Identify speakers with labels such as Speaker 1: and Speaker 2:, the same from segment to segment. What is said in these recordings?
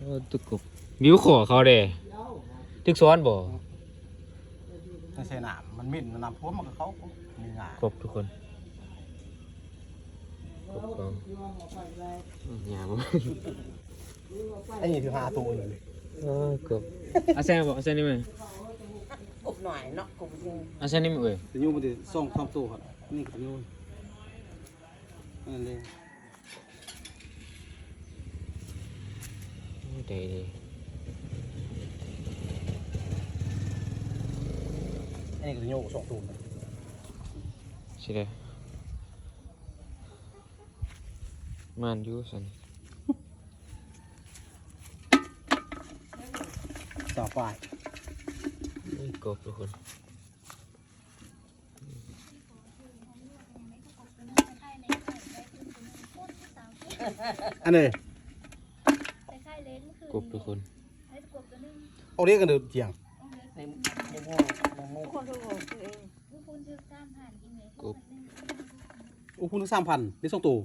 Speaker 1: ตึกกบบิวขอเขาเด้ตึกซ้อนบ่
Speaker 2: ในเสนามมันมิ่นมันนำพวกมันก็เขามีงาน
Speaker 1: กบทุกคนกบก็หยาบ
Speaker 2: ไอ้นี่คือหาตัวอยู่
Speaker 1: กบอาแซนบ่อาแซนนี่มั้ย
Speaker 3: กบหน่อยเนาะกบจริง
Speaker 1: อาแซนนี่มั้ยเอ้ย
Speaker 2: แต่ยูมันจะส่งความตัวครับนี่กับยูนั่นเลย
Speaker 1: ดี
Speaker 2: อันนี้กับยูส่งตัว
Speaker 1: ใช่เด้มันอยู่ซั่น
Speaker 2: สาวฝ่าย
Speaker 1: กบทุกคน
Speaker 2: อันนี้
Speaker 1: กบทุกคน
Speaker 2: เอาเรียกกันเดือดเจียง
Speaker 1: กบ
Speaker 2: โอ้คุณทั้ง3,000ได้ส่งตัว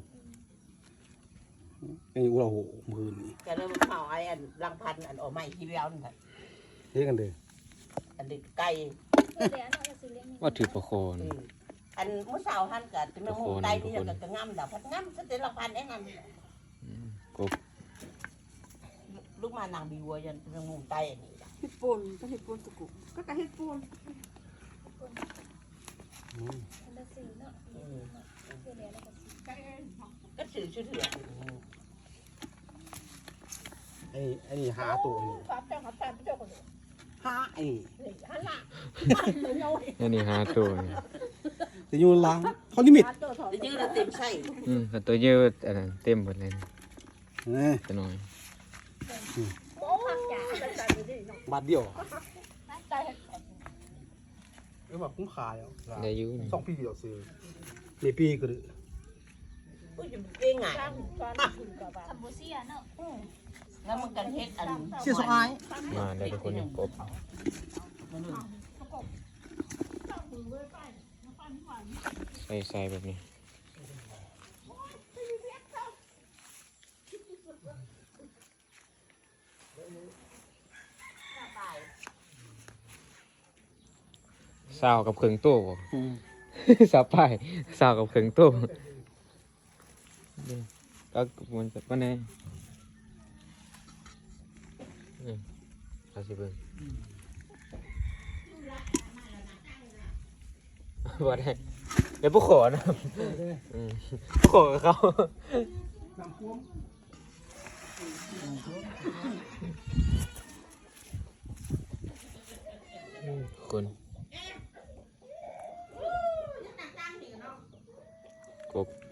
Speaker 2: ไอ้เราโหมือนี่
Speaker 3: จะเริ่มเผาไอ้อันรังพันอันออกมาอีกทีเดียวนี่แหละ
Speaker 2: เรียกกันเดือด
Speaker 3: อันเด็กไก่
Speaker 1: ว่าถือประโคน
Speaker 3: อันมื้อเช้าท่านก็จะมามุงไก่นี่ก็จะงำดอกพัดงำซะแต่รังพันไอ้นั่น
Speaker 1: กบ
Speaker 3: ลูกมานางบีวัวยันจะมุงไก่อันนี้
Speaker 4: เห็ดปูนก็เห็ดปูนตะกุกก็เห็ดปูน
Speaker 3: ก็ถือชื่อเถื่อน
Speaker 2: ไอ้นี่หาตัวอยู่หาไอ้
Speaker 1: นี่หาตัว
Speaker 2: แต่ยูล้างเขาลิมิต
Speaker 3: จะยืดเต็มใช่
Speaker 1: ตัวเยอะอันนั้นเต็มหมดเลย
Speaker 2: นี่
Speaker 1: ตัวน้อย
Speaker 2: บาทเดียวแบบคุ้มค่าแล้ว
Speaker 1: ได้อยู่
Speaker 2: 2 ปีเดียวซื้อในปีก็ได้
Speaker 3: อุ้ยจะเก่งไงแล้วมันกันเฮ็ดอัน
Speaker 2: เสียสาย
Speaker 1: มาได้ทุกคนกบใส่แบบนี้สาวกับเครื่องตู้สาวป้ายสาวกับเครื่องตู้ก็มันจะว่าไงเอาสิเบิ่งว่าได้เดี๋ยวผู้ขอนะผู้ขอกับเขาคนกบ